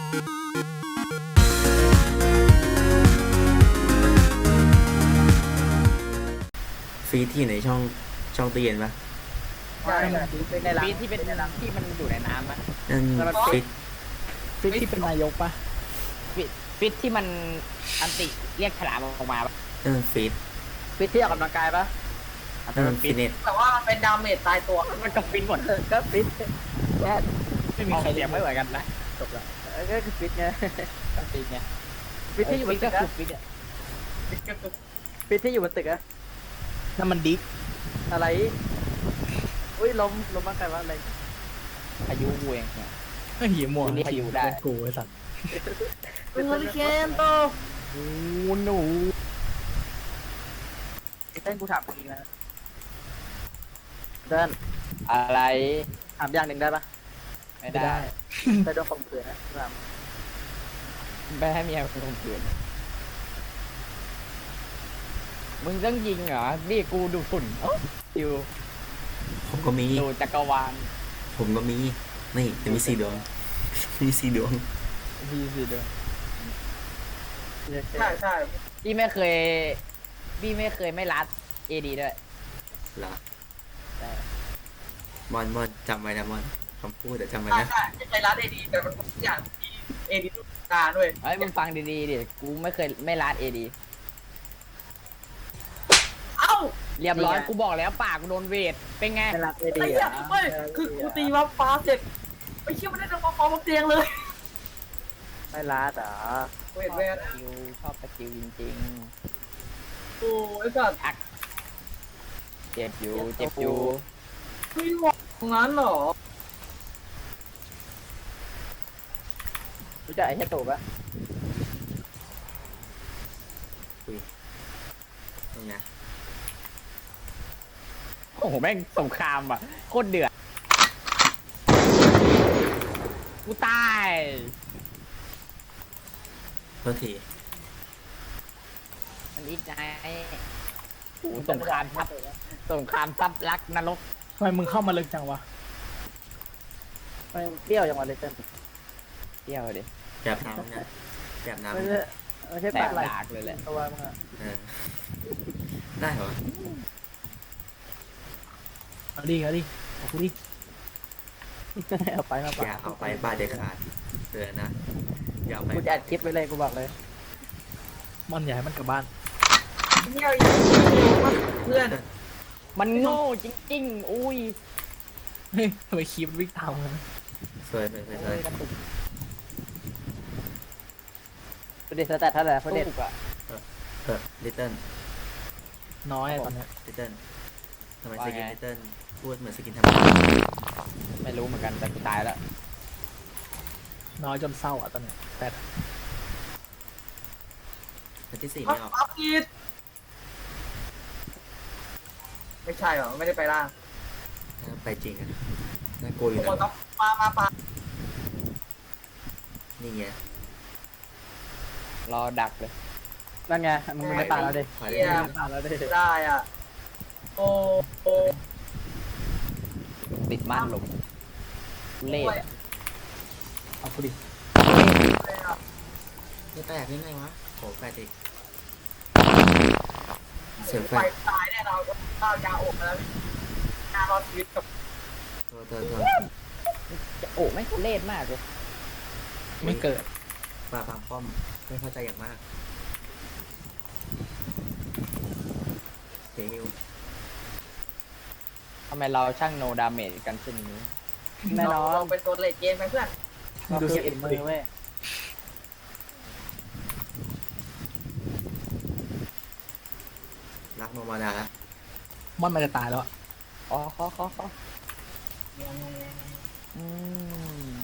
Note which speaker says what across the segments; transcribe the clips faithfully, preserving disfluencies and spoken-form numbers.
Speaker 1: ฟีดที่ในช่องช่องตู้เย็นปะ
Speaker 2: ใช่เป็นในร้าน
Speaker 3: ฟีดที่เป็นที่มันอยู่ในน้ำอะ
Speaker 1: นั่นฟีด
Speaker 2: ฟิตที่เป็นนายกปะ
Speaker 3: ฟีดฟีดที่มันอันติเรียกฉลามออกมาปะ
Speaker 1: นั่นฟีด
Speaker 2: ฟิตที่ออกกำลังกายปะ
Speaker 1: นั่นฟีดเน็ต
Speaker 4: แต่ว่ามันเป็นดาเมจตายตัว
Speaker 3: มันก็ฟีดหมด
Speaker 2: เออก็ฟิตแค่
Speaker 3: ไม่มีใครเรียกไม่เหมือนกันนะ
Speaker 2: จบละเออก็คือฟิตไง
Speaker 3: ก็ฟีดไง
Speaker 2: ฟิตที่อยู่บนตึ
Speaker 3: ก็
Speaker 2: ก
Speaker 3: คื
Speaker 2: อะ
Speaker 3: อฟีดอะ
Speaker 2: ฟิตที่อยู่บนตึกอะ
Speaker 5: นั่นมันดิ๊ก
Speaker 2: อะไรอุ้ยล้มล้มบ้างใครวะอะไร
Speaker 3: พายุเวงเนี่ย
Speaker 5: ไอ้เหี้ยหมวก
Speaker 3: นี่ให้อยู่ได้
Speaker 5: เป็นกูไอ้สัตว์
Speaker 2: เป็นเฮอริเคนโต
Speaker 3: โอ้หนู
Speaker 2: ไอ้เต้นกูถามจริงนะเดิน
Speaker 3: อะไร
Speaker 2: ถามอย่างหนึ่งได้ปะ
Speaker 3: ไม่ได้
Speaker 2: ไปโดนข่มขืนนะถาม
Speaker 3: ไม่ให้เมียคนข่มขืนมึงต้องยิงเหรอนี่กูดูฝุ่นโอ้อยู่
Speaker 1: ผมก็มี
Speaker 3: ดูจักรวาล
Speaker 1: ผมก็มีนี่จะมีสี่ดวงมีสี่ดวง
Speaker 3: พี่สิเด้อ
Speaker 4: ใช่ใช่
Speaker 3: พี่ไม่เคยพี่ไม่เคยไม่รัดเอดีด้วย
Speaker 1: เหรอ
Speaker 3: ใช่
Speaker 1: มอนมอนจำไว้นะมอนคำพูดเดี๋ยวจำไว้
Speaker 4: ใช่
Speaker 1: นะ
Speaker 4: ใช่ไม่ใช่ร้านเอดีแต่มันทุกอย่างที่เอดีทุกการด้วย
Speaker 3: เฮ้ยมึงฟังดีๆดิกูไม่เคยไม่รัดเอดี
Speaker 4: เอ้า
Speaker 3: เรียบร้อยกูบอกแล้วปากกูโดนเวทเป็นไง
Speaker 2: ไม่รักเอ
Speaker 4: ไอ้
Speaker 2: ดี
Speaker 4: เหี้ย
Speaker 2: อ่ะ
Speaker 4: เว้ยคือกูตีวับฟ้าเสร็จไอ้เชี่ยมันได้ทำมาฟ้าบนเตียงเลย
Speaker 2: ไม่รักเหรอ
Speaker 4: เวทแวน
Speaker 3: สกิลชอบสกิลจริง
Speaker 4: โอ้ไอ้สัตว์
Speaker 3: ๆ เจ็บอยู่เจ็บอยู่
Speaker 4: ไม่หวังงั้นเหรอ
Speaker 2: รู้จักไอ้เหี้ยตู่ปะ
Speaker 1: ตรงเนี้ย
Speaker 3: โอ้โหแม่งสงครามอ่ะโคตรเดือดกูตาย
Speaker 1: โทษที
Speaker 3: มันอีกไงโอ้โหสงครามทับสงครามทับรักนรก
Speaker 5: ทำไมมึงเข้ามาลึกจังวะ
Speaker 2: มันเปรี้ยวอย่างวันเลยเต้น
Speaker 3: เที่ยวดิ
Speaker 1: แบบน้ำเนี่ยแบบน้ำ
Speaker 2: ไม่
Speaker 1: เนี่ย
Speaker 2: ใช่ไม่ใช่
Speaker 3: แต
Speaker 2: ปาก กไหล
Speaker 3: ดากเลยแหละ
Speaker 2: ตัวมึงอะ
Speaker 1: เออได้เหรอ
Speaker 5: เอาดิเอาดิเอากูดิ
Speaker 2: เอาไปมาปา
Speaker 1: อย่าเอาไปบ้าเด็ดขาดเตือนนะอย่าเอาไป
Speaker 2: กูจะอัดคลิปไว้เลยกูบอกเลย
Speaker 5: มันอยากให้มันกลับบ้าน
Speaker 4: เหี้ยเพื่อน
Speaker 3: มันโง่จริงๆอุ้ย
Speaker 5: เฮ้ยทำไมคีบวิ่งตามกัน
Speaker 1: สวยสวยสวยสวย
Speaker 3: กระตุก
Speaker 2: ประเด็นสแตทเท่าไหร่ประเด็น
Speaker 3: ตุกอะ
Speaker 1: เออลิตเติ้ล
Speaker 5: น้อยอะตอนเนี้ย
Speaker 1: ลิตเติ้ลทำไมสกินลิตเติ้ลพูดเหมือนสกินธรรมดา
Speaker 3: ไม่รู้เหมือนกันแต่กูตายแล้ว
Speaker 5: น้อยจนเศร้าอ่ะตอนเนี้ยแต่
Speaker 1: แต่ที่สี่
Speaker 4: พั
Speaker 1: ไม่
Speaker 4: ก
Speaker 1: ออก
Speaker 4: พักอีดไม่ใช่หรอไม่ได้ไปล่าง
Speaker 1: ไปจริงอ่ะน่ากลัวอยู่
Speaker 4: โอ้
Speaker 1: นะ
Speaker 4: ต้องมามาปา
Speaker 1: นี่ไง
Speaker 3: รอดักเลย
Speaker 2: นั่นไงมึงไม่ตายแล้วดิ
Speaker 1: ถอยได้
Speaker 2: มึง
Speaker 1: ไหม
Speaker 2: ไม่ตายแล้วดิ
Speaker 4: ได้อ่ะโอ้โอ้
Speaker 3: ติดม่านลมเล่
Speaker 4: โอ้ย
Speaker 3: อะ
Speaker 5: เอากูดิ
Speaker 1: จะแตกยังไงวะโหแปดอีกเสียงแฟ
Speaker 4: ไป
Speaker 1: ด
Speaker 4: ตายแน่นอนข้าวยาอกแล้วงานรอดชีวิตกับ
Speaker 1: โทษโทษโทษ
Speaker 3: จะโอ้ไม่งทุเล่มากเลย
Speaker 5: ไม่เกิด
Speaker 1: ปลาพามป้อมไม่เข้าใจอย่างมากเฮล
Speaker 3: ทำไมเราช่างโนดาเมจกันเช่นนี้
Speaker 2: แน่นอน
Speaker 4: เราเป็นตัวเลดเกมไปเพื่อน
Speaker 5: มึงดูสกิ
Speaker 2: เอ็
Speaker 5: น
Speaker 2: น
Speaker 5: มื
Speaker 2: มื
Speaker 5: อ
Speaker 2: อเว้ย
Speaker 1: รักโนมาดาละ
Speaker 5: มอนมันจะตายแล้วอะ
Speaker 3: อ๋อขอขอขออืม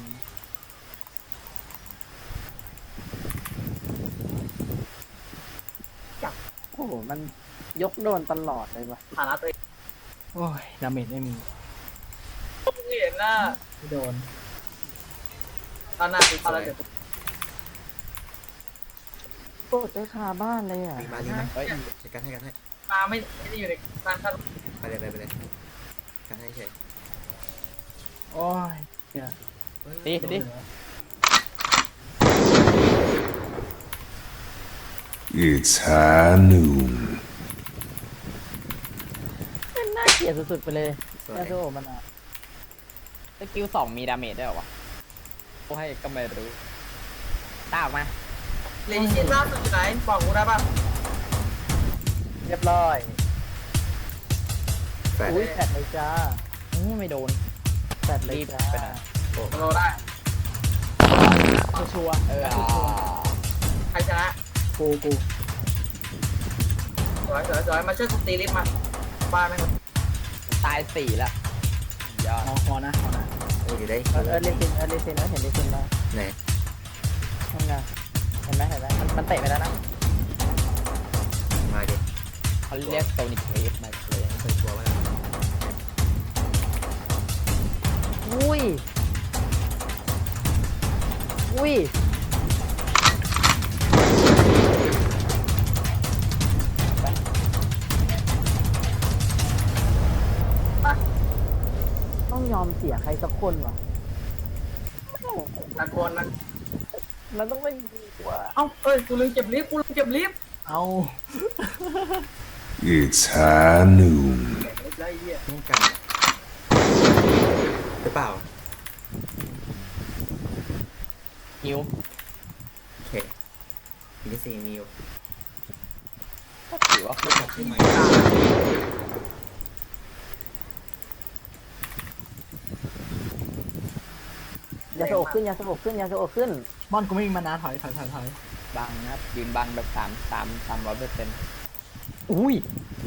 Speaker 2: โอ้โหมันยกโดนตลอดเลยว่ะ
Speaker 4: ฐานะตัวเอง
Speaker 5: โอ้ยดาเมจไม่มี
Speaker 4: เห็นน่ะ
Speaker 5: ไม่โดน
Speaker 4: ตอนหน้าคือเขาแล้วเดี๋ยว
Speaker 2: โอ้เจอคาบ้านเลยอ่ะ
Speaker 1: รีมารีมา
Speaker 3: เฮ้ย
Speaker 1: จัดการให้กันให้
Speaker 4: มาไม่ไม่ได้อยู่ในการคัด
Speaker 1: ไปเลยไปไปเลยการให้เฉย
Speaker 5: โอ้ยเนี่ย
Speaker 1: เฮ้ย
Speaker 3: ดิดิ
Speaker 5: เหลือ
Speaker 6: It's high noon.
Speaker 3: มันน่าเกลียดสุดๆไปเลย
Speaker 1: สวย
Speaker 3: ยาโซมันอ่ะสกิลสองมีดาเมจได้เหรอวะโอ้ให้ก็ไม่รู้ตาออกมา
Speaker 4: เลนชินล่าสุดอยู่ไหนบอกกูได้ป่ะ
Speaker 2: เรียบร้อย
Speaker 1: แฟด
Speaker 2: อุ้ยแปดเลยจ้า
Speaker 3: อืมไม่โดน
Speaker 2: แปดเลย
Speaker 3: รีบ
Speaker 2: จ้า
Speaker 3: ไปไหน
Speaker 4: โลได้
Speaker 5: ชัวร์ๆ
Speaker 3: เออ
Speaker 4: ใครชนะ
Speaker 5: กูกู
Speaker 4: สวยสวยสวยมาช่วยกูตีลิฟต์มาบ้านแม่ง
Speaker 3: ตายสี่ละยอด
Speaker 5: เอาคอนะคอนะ
Speaker 1: โอ้ยเดี๋ยวได้
Speaker 2: เออเออเลซินเออเลซินแล้วเห็นเลซินแล้ว
Speaker 1: ไหน
Speaker 2: นั่นไงเห็นไหมเห็นไหมมันมันเตะไปแล้วนะ
Speaker 1: มาดิ
Speaker 3: เขาเรียกโซนิคเวฟมาเลย
Speaker 1: เคยกลัวว่า
Speaker 2: อุ้ยอุ้ยต้องยอมเสียใครสักคนว่ะ
Speaker 4: ตะโกนนะ
Speaker 2: มันต้องเป็นดีกว่า
Speaker 4: เอ้าเอ้ยกูลืมเก็บลิฟต์กูลืมเก็บลิฟต์
Speaker 5: เอา
Speaker 6: It's high noon.
Speaker 4: เก็บลิฟต์แล้วไอ้เหี้ย
Speaker 1: ต้องกันหรือเปล่า
Speaker 3: ฮิว
Speaker 1: โอเคมีที่สี่มีอยู่
Speaker 3: ถือว่า
Speaker 1: ไม่กลับใช่ไหม
Speaker 2: ยาสโอกขึ้นยาสโอกขึ้นยาสโอกขึ้น
Speaker 5: มอนกูไม่มีมานาถอยถอยถอยถอย
Speaker 3: บังนะครับยืนบังแบบสามสามสามร้อยเปอร์เซ็นต์
Speaker 2: อุ้ย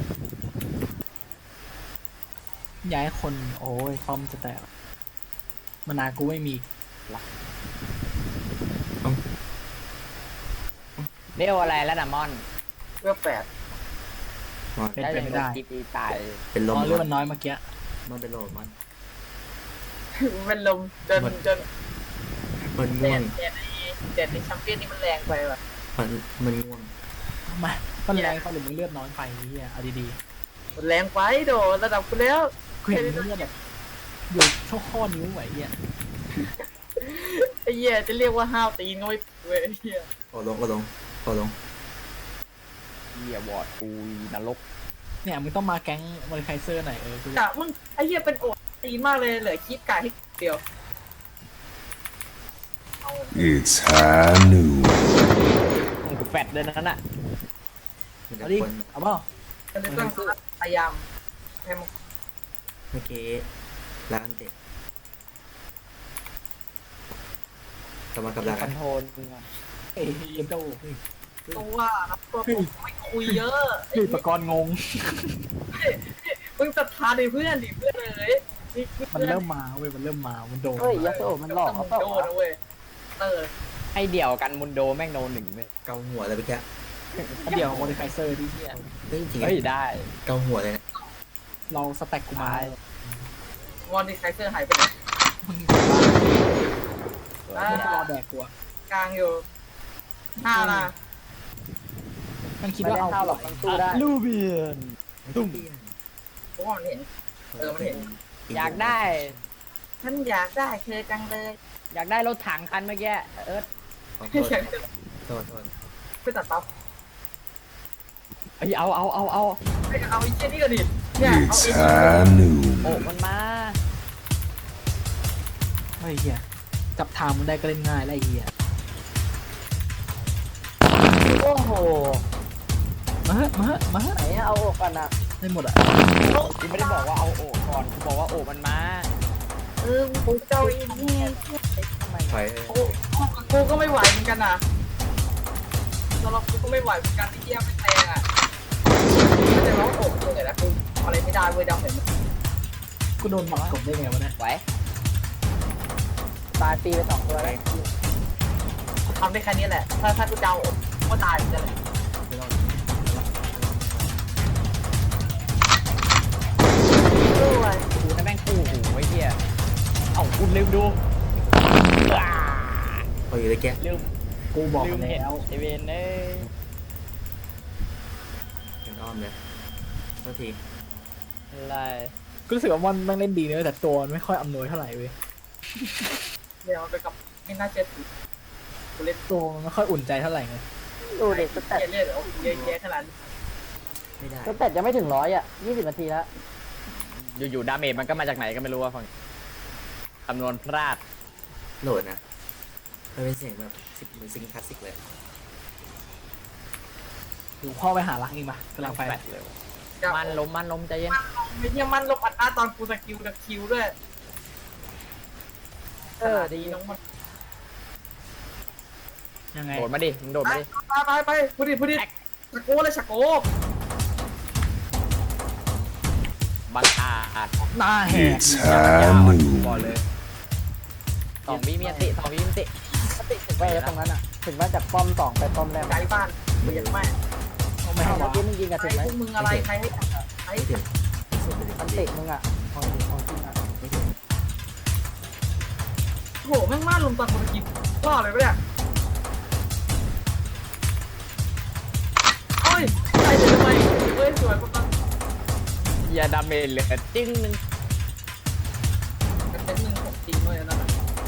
Speaker 5: ย้ายคนโอ้ยคอมจะแตกมานากูไม่มี
Speaker 3: เรียกอะไรแล้วนะมอน
Speaker 4: เพื่อแปด
Speaker 1: มอน
Speaker 5: เป็น
Speaker 3: ได้
Speaker 5: ไป
Speaker 3: ยัง
Speaker 5: ไม่
Speaker 3: โดน
Speaker 5: ได้
Speaker 3: ตีตีตาย
Speaker 1: เป็นล
Speaker 5: ม
Speaker 1: ม
Speaker 5: อนเลือดมันน้อยเมื่อกี้
Speaker 1: มอนเป็นลมมอน
Speaker 4: เป็นลมจนจน
Speaker 1: มัน
Speaker 4: เด็
Speaker 1: ง่วง
Speaker 4: ดเด็ดในเด็ดในแชมเปี้ยนนี่มันแรงไปว่ะ
Speaker 1: มันมันง่วง
Speaker 5: ทำไมมันแรงเขาหรือมึงเลือดน้อยไปเฮียเอาดี
Speaker 4: มันแรงไปโดระดับกูแล้ว
Speaker 5: ๆกูเห็นมึงเลือดแบบอยู่ช่วข้อนิ้วไหวเฮีย
Speaker 4: ไอ้เหี้ยจะเรียกว่าห้าวตีนก็ไม่เว้ยไอ้เหี้ย
Speaker 1: โอ้ลงก็ลงก็ลง
Speaker 3: เฮียวอร์ดกูนรก
Speaker 5: เนี่ยมึงต้องมาแก๊งมอริไคเซอร์หน่อยเออกู
Speaker 4: กะมึงไอ้เหี้ยเป็นโอดตีนมากเลยเหลือคลิปกะให้เดียวเอา
Speaker 6: It's high noon.
Speaker 3: มึงกูแฟดเลยนั่นน่ะ
Speaker 1: มันจะ
Speaker 5: เอาดิ
Speaker 1: คน
Speaker 5: เอาเปล่า
Speaker 4: จะได้ต้องพยายามให้มัน
Speaker 1: เมื่อกี้ร้านเด็กกำลังกำลัง
Speaker 3: คอนโทรล
Speaker 5: เอ้ยเอ็มเจ้า
Speaker 4: ตัวนะตัวผมไม่คุยเยอะไอ้
Speaker 5: เฮ้ย
Speaker 4: เหี้
Speaker 5: ป
Speaker 4: ย
Speaker 5: กรณ์งง
Speaker 4: มึงศรัทธาในเพื่อนดิเพื่อนเลยนี่
Speaker 5: มันเริ่มมาเว้ยมันเริ่มมามันโดน
Speaker 2: เฮ้ยยาสโอกมันหลอก
Speaker 4: ต้
Speaker 2: เขา
Speaker 4: อง
Speaker 2: เปล่า
Speaker 4: โดน
Speaker 2: วะ
Speaker 4: นะเว้ยเตอร์
Speaker 3: ให้เดี่ยวกันมุนโดแม่งโดนหนึ่งเลย
Speaker 1: เกาหัวเลยเมื่อกี้
Speaker 5: เดี๋ยวมอริไคเซอร์ที่เฮีย
Speaker 1: เฮ้ยจริงๆ
Speaker 3: เฮ้ยได้
Speaker 1: เกาหัวเลยนะ
Speaker 5: เราสแต็กกูมา
Speaker 4: วอนดิไคเซอร์หายไปไหน
Speaker 5: มึง
Speaker 4: อ่า
Speaker 5: มึงรอแดกกูอะ
Speaker 4: กลางอยู่ห้านะ
Speaker 5: มันคิด
Speaker 2: ไม่
Speaker 5: ว่า
Speaker 2: ได้
Speaker 5: เอา
Speaker 2: เข้าหรอกมันสู้ได้
Speaker 3: ลูเบียน
Speaker 1: ตุ้ม
Speaker 4: เพราะว่ามันเห็น เออมันเห็น
Speaker 3: อยากได้
Speaker 4: ฉันอยากได้เธอจังเลย
Speaker 3: อยากได้รถถังคันเมื่อกี้เอิร์ธ
Speaker 1: ขอโท
Speaker 4: ไม่
Speaker 1: ษ
Speaker 4: อยาก
Speaker 1: โทษโทษ
Speaker 4: ไปตัดปั๊บ
Speaker 3: เอ้ยเอาเอาเอาเอา
Speaker 4: ไปเอาไอ้เชี่ยนี่ก็ดิเนี่ยเอา
Speaker 6: It's
Speaker 4: ไอ้
Speaker 6: high noon.
Speaker 3: โอ้มันมา
Speaker 5: เฮ้ยเฮียจับทางมึงได้ก็เล่นง่ายแล้วไอ้เฮีย
Speaker 2: โอ้โห
Speaker 5: มาเฮ้มาเฮ้มาเฮ้
Speaker 2: ไหนอะเอาออกกันอะ
Speaker 5: ได้หมดอะ
Speaker 3: กูไม่ได้บอกว่าเอาโอ้ก่อนกูบอกว่าโอ้มันมา
Speaker 4: เออกูเจ้าไอ้นี่
Speaker 2: ทำไม
Speaker 1: ไป
Speaker 4: กูกูก็ไม่ไหวเหมือนกันนะสำหรับกูก็ไม่ไหวเหมือนกันที่เยี่ยไม่แตงอ่ะไม่แต่ร้องโอบเลยนะกูอะไรไม่ได้เว้ยดำเห็น
Speaker 5: กูโดนหมัดกบได้ไงวะเนี่ย
Speaker 3: ไว้
Speaker 2: ตายตีไปสองตัวแล้ว
Speaker 4: กูทำได้แค่นี้แหละ ถ้าถ้ากูเจ้าโอบก็ตายเหมือนกันเลย
Speaker 1: ไม่รอด
Speaker 4: ด้วย
Speaker 3: กูนะแม่งคู่หูไอ้เหี้ยเอ้าคุณลืมดูอ่า
Speaker 1: พออยู่เลยแก
Speaker 3: ลืม
Speaker 5: กูบอก
Speaker 3: ลื
Speaker 5: มั
Speaker 3: ม
Speaker 5: น
Speaker 3: เห็น
Speaker 5: แล้ว
Speaker 3: ไอเวนเอ้ย
Speaker 1: เป็นอ้อมเลยโทษที
Speaker 3: อะไร
Speaker 5: กูรู้สึกว่ามันมันเล่นดีเนอะแต่ตัวมันไม่ค่อยอำนวยเท่าไหร่เว้ย
Speaker 4: เดี๋ยวมันไปกับไม่น่าเชื่อถือกูเล่น
Speaker 5: ตัวมันไม่ค่อยอุ่นใจเท่าไหร่ไง
Speaker 2: ดูเด็กสแตท
Speaker 4: เยอะเลยเหรอเยอะแยะขนาดนี้
Speaker 1: ไม่ได้
Speaker 2: สแตทยังไม่ถึงร้อยอ่ะยี่สิบนาทีแล้ว
Speaker 3: อยู่ๆดาเมจมันก็มาจากไหนก็ไม่รู้ว่าฟังคำนวณพลาด
Speaker 1: โหลดนะมันเป็นเสียงแบบซิกเหมือนซิงคลาสสิกเลย
Speaker 5: อยู่พ่อไปหารักเองปะกำลังไป
Speaker 3: แปดเลยมันล้มมันล้มใจเย็น
Speaker 4: ไม่เนี่ยมันลบอัดอาตอนกูสกิลกับคิวด้วย
Speaker 2: เออดี
Speaker 4: น้องมัน
Speaker 5: ยังไง
Speaker 3: โดดมาดิมึงโดด
Speaker 4: ไป
Speaker 3: มาดิ
Speaker 4: ไปไปไปพูดดิพูดดิชะโกเลยชะโก
Speaker 3: บังอาจ
Speaker 5: หน้าแหก
Speaker 6: It's high
Speaker 3: บอล
Speaker 6: noon.
Speaker 3: เลยสองวิมีอันติสองวิมีอันติ
Speaker 2: สติถึงไปตรงนั้นอ่ะ ถึงว่าจากป้อมสองไปป้อมแรก
Speaker 4: ไกลบ้านเบียดแม่
Speaker 5: เอาไม่
Speaker 2: ไม่
Speaker 5: ให้
Speaker 2: เมื่อ
Speaker 5: วะ
Speaker 2: กี้มึงยิงกันถึง
Speaker 4: ไอ้
Speaker 2: ไหม
Speaker 4: พวกมึงอะไรใครให้ใคร
Speaker 1: ไม่ถึงสุดไปเลย
Speaker 2: มันติมึงอ่ะของจริงของจริงอ่ะ
Speaker 1: ไม่ถึง
Speaker 4: โหแม่งมาลุมตอนกูสกิลล่อเลยปะเนี่ยโอ้ยใครจะทำไมเฮ้ยสวยปะ
Speaker 3: อย่าดาเมจเหลือจิ้งหนึง
Speaker 4: กันเป็นหนึ่งของจริงเลยนั่นแหละ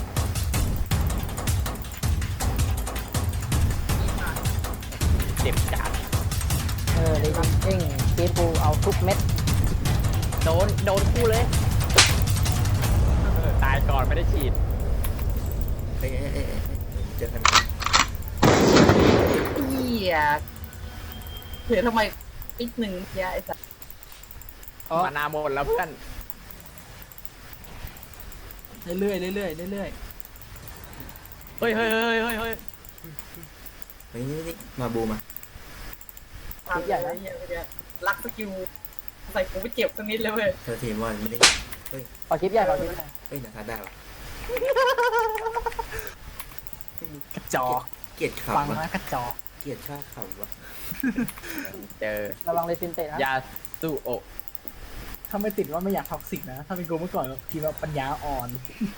Speaker 3: เจ็บจัด
Speaker 2: เออดีจริงเกมกูเอาทุกเม็ด
Speaker 3: โดนโดนคู่เลยเออตายก่อนไม่ได้ฉีด
Speaker 1: เอ้ยเอ้ยเอ้ยเอ้ยเจอกัน
Speaker 4: เหี้ยเห็นทำไมอีกหนึ่งเหี้ยไอ้สัส
Speaker 3: มานาหมดแล้วเพื่อน
Speaker 5: เรื่อยๆเรื่อยๆเรื่อย
Speaker 3: เฮ้ยเฮ้ยเฮ้ยเฮ้ยเฮ้ย
Speaker 1: เฮ้ยนี่นี่มาบูมา
Speaker 4: ทำใหญ่แล้วเหี้ยเมื่อกี้รักสกิลใส่กูไปเจ็บสักนิดเลยเว้ย
Speaker 1: เธอทีมบอลไม่ได้
Speaker 2: ขอคลิปใหญ่ขอคลิปใหญ่
Speaker 1: เฮ้ยนะครับได้ปะ
Speaker 5: ๆกระจอก
Speaker 1: เกลียด
Speaker 5: ฟัง
Speaker 1: ขำวะ
Speaker 5: นะกระจอก
Speaker 1: เกลียดชาขำวะ
Speaker 3: เจอ
Speaker 2: ระวังเลซินเตะนะ
Speaker 3: ยาสูโอะ
Speaker 5: ถ้าไม่ติดว่าไม่อยากท็อกซิกนะ ถ้าเป็นกูเมื่อก่อนทีมว่าปัญญาอ่อน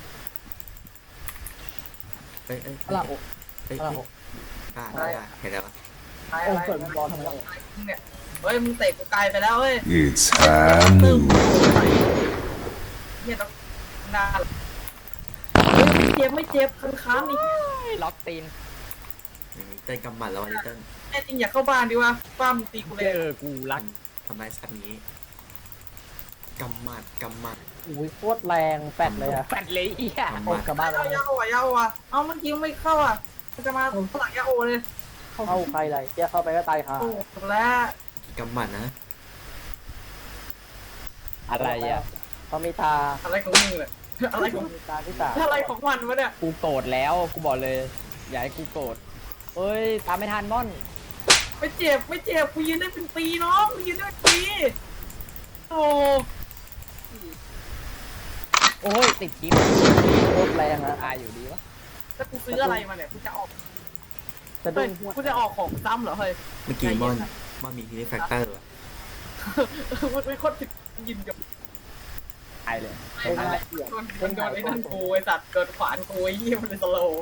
Speaker 1: เอ้ยเอ้ย
Speaker 5: อะล่ะโอ้
Speaker 1: เอ้ย
Speaker 5: อะล่ะโอ้
Speaker 1: อ่าได้ได้เห็นแล้วปะ
Speaker 4: ตาย
Speaker 5: โอ้
Speaker 4: อะไร
Speaker 5: เปิดบอลทำไม
Speaker 4: เนี่ยเฮ้ยมึงเตะกูไกลไปแล้วเว้ย
Speaker 6: It's high noon.
Speaker 4: เฮียต้องหน้าเฮ้ยไม่เจ็บไม่เจ็บคันค้ามนี่
Speaker 3: ล็อกตีน
Speaker 1: เต้นกำหมัดแล้ววันนี้เต้น
Speaker 4: แน่จริงอยากเข้าบ้านดีวะบ้านมึงตีกูเลย
Speaker 3: เจอกูรัก
Speaker 1: ทำร้ายสัตว์นี้กำหมัดกำหมัด
Speaker 2: อุ้ยโคตรแรงแปดเลยอ่ะ
Speaker 3: แปดเลยอีอ่ะ
Speaker 1: กำห
Speaker 5: โอ้
Speaker 1: มัด
Speaker 5: กลับบ้านไป
Speaker 4: เอา
Speaker 5: แล้
Speaker 4: ยาว อ่ะยาวอ่ะเอาเมื่อกี้ไม่เข้าอ่ะมันจะมาฝรั่งยาโอเลย
Speaker 2: เข้าใครเลยเจ้าเข้าไปก็ตายค่ะ
Speaker 4: โอ้จบแล้ว
Speaker 1: กำหมัดนะ
Speaker 3: อะไรอ่ะ
Speaker 2: เขามีตา
Speaker 4: อะไรของมึงเนี่ยอะไรของ
Speaker 2: มีตาที่ตา
Speaker 4: อะไรของมันวะเนี่ย
Speaker 3: กูโกรธแล้วกูบอกเลย อย่าให้กูโกรธเฮ้ยตามไม่ทันม่อน
Speaker 4: ไม่เจ็บไม่เจ็บกูยืนได้เป็นปีน้องกูยืนได้เป็นปีโอ้
Speaker 3: โอ้ยติดคลิป
Speaker 2: โคตรแรงอ่ะ
Speaker 3: อายอยู่ดีวะ
Speaker 4: แล้วกูซื้ออะไรมาเนี่ยกูจะออก
Speaker 2: สะดุ้
Speaker 4: เฮ้ย
Speaker 2: งหัว
Speaker 4: กูจะออกของซ้ำเหรอเฮ้ย
Speaker 1: เมื่อกี้มอนมอนมีทีนี้แฟกเตอร์วะ
Speaker 4: มันเป็นคนติดยินกับ
Speaker 3: อายเลย
Speaker 2: เล่นมาเกี่ยว
Speaker 4: โดนโดนไอ้นั่นกูไอ้สัตว์โดนขวานกูไอ้เหี้ยมันเป็นสโลว์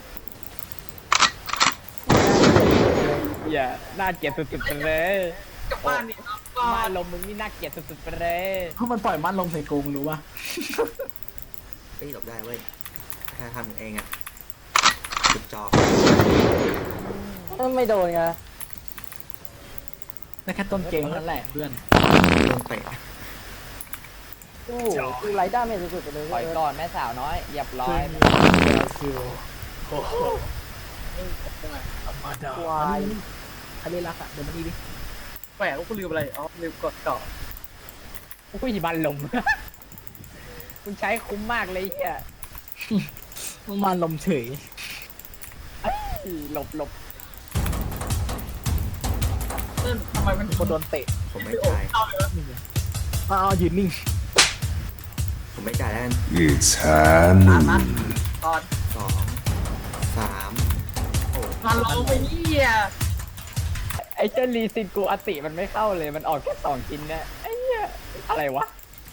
Speaker 3: อย่าน่าเกลียดสุดๆไปเลย
Speaker 4: กลับบ้านนี่ครับก็
Speaker 3: มาลมมึงนี่น่าเกลียดสุดๆไปเลย
Speaker 5: เพราะมันปล่อยมันลงใส่กูมึงรู้ป่ะ
Speaker 1: เฮ้ยหลบได้เว้ยถ้าทำเองอ่ะจุดจอ
Speaker 2: ไม่โดนไง
Speaker 5: แต่แค่ต้นเกมเท่านั้นแหละเพื่อน
Speaker 1: โดนเตะ
Speaker 2: โอ้โหคือไรด้าไม่สุดๆไปเลย
Speaker 3: ปล่อยก่อนแม่สาวน้อยเหยับร้อย
Speaker 5: คิวโอ้โหมาดา
Speaker 2: ควาย
Speaker 5: ใครเล่นรักอ่ะเดี๋ยวมาดีดิ
Speaker 4: แปลกว่ากูลืมอะไรอ๋อลืมกดต่อ
Speaker 3: อุ้ยบันลม มึงใช้คุ้มมากเลยเฮีย
Speaker 5: มันมาลมเฉย
Speaker 3: หลบหลบ
Speaker 4: เติ้ลทำไมมัน
Speaker 5: คนโดนเตะ
Speaker 1: ผมไม่
Speaker 4: ไม่โอ้
Speaker 1: จ่าย
Speaker 4: เข้าเลยวะ
Speaker 5: อ้าวยืนนิ่ง
Speaker 1: ผมไม่จ่ายแล้วกัน
Speaker 6: It's high
Speaker 4: ตามนั้น
Speaker 6: noon.
Speaker 4: ตอน
Speaker 1: สองสามโอ้
Speaker 4: มาลงไปเหี้ย
Speaker 3: ไอ้เจ้าลีซินกูอติมันไม่เข้าเลยมันออกแค่สองชิ้นเนี่ยไอ้เหี้ยอะไรวะ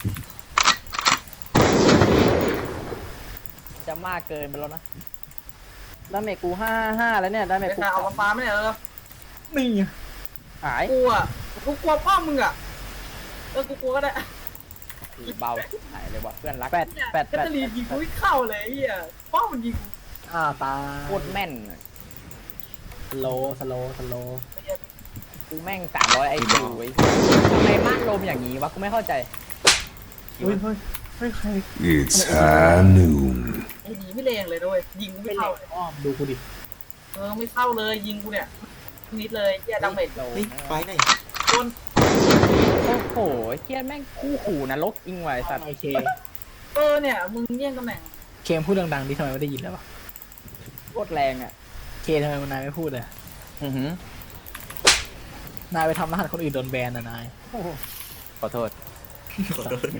Speaker 3: จะมากเกินไปแล้วนะ
Speaker 2: ดาเมจกูห้าห้าแล้วเนี่ยดาเมจ
Speaker 4: ไอ้
Speaker 2: กู
Speaker 4: ตาเอามาฟ้าไม่ได้เหรอ
Speaker 5: นี่
Speaker 2: หาย
Speaker 4: กูอ่ะกูกลัวพ่อมึงอ่ะเออกูกลัวก็ได้
Speaker 3: เบาหายเลยว่ะเพื่อนรัก
Speaker 2: แปด
Speaker 4: เนี่ย
Speaker 2: แปด
Speaker 4: แค
Speaker 2: แป
Speaker 4: ท
Speaker 2: ด
Speaker 4: เธอรีนยิงกูไม่เข้าเลยไอ้เหี้ยพ่อมันยิง
Speaker 5: อ่าตา
Speaker 3: โคตรแม่น
Speaker 4: ไ
Speaker 5: สโลสโลสโล
Speaker 3: กูแม่งสามร้อยไอคิวไอ้ทำไมม่านลมอย่างนี้วะกูไม่เข้าใจ
Speaker 5: เฮ้ยเฮ้ยเฮ้ยใคร
Speaker 6: It's high noon.
Speaker 4: ไอ้หนีไม่แรงเลยด้วยยิงกู
Speaker 5: ไม่
Speaker 4: ไม่
Speaker 5: เหล็
Speaker 4: เข้าก เลย
Speaker 5: อ้อมดูกูดิ
Speaker 4: เออไม่เข้าเลยยิงกูเนี่ยนิดเลยเฮียดังเม็ด
Speaker 3: โล
Speaker 1: เฮ้ยไฟหน่อย
Speaker 4: โดน
Speaker 3: โอ้โหเฮียแม่งคู่ขู่นรกอิงไว้สัตว์
Speaker 5: โอเค
Speaker 4: เออเนี่ยมึงแย่งตำแหน่ง
Speaker 5: เคมพูดดังๆดิทำไมไม่ได้ยินเลยวะ
Speaker 3: โคตรแรงอ่ะ
Speaker 5: เคทำไมมันนายไม่พูดเลย
Speaker 3: อือหือน
Speaker 5: ายไปทำรหัสคนอื่นโดนแบนนะนาย
Speaker 3: ขอโทษ
Speaker 1: ขอโทษ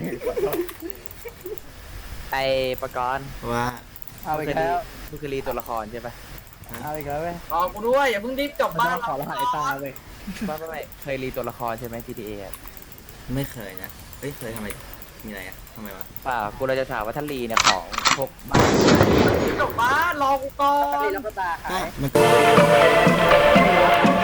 Speaker 3: ไอประกรณ์
Speaker 1: ว่า
Speaker 3: เอาอีกแล้วมึงคือรีตัวละครใช่ปะเอาอีกแล้วเว้ย
Speaker 4: รอกูด้วยอย่าเพิ่งรีบกลับ
Speaker 5: มัน
Speaker 4: บ้า
Speaker 5: จะ
Speaker 4: น
Speaker 5: มาขอรหัสไอ้ตาเว้ย
Speaker 3: ไม่ไม่ไม่เคยรีตัวละครใช่ไหม จี ที เอ อะ
Speaker 1: ไม่เคยนะเฮ้ยเคยทำไมมีอะไรอ่ะทำไมวะ
Speaker 3: เปล่ากูเราจะถามว่าถ้ารีเนี่ยของพวกบ้าน
Speaker 4: รีบกลับบ้านรอกูก่อ
Speaker 3: ถ้ารี
Speaker 4: น
Speaker 3: แล้วก็ตาหา
Speaker 1: ก็
Speaker 3: ย
Speaker 1: มัน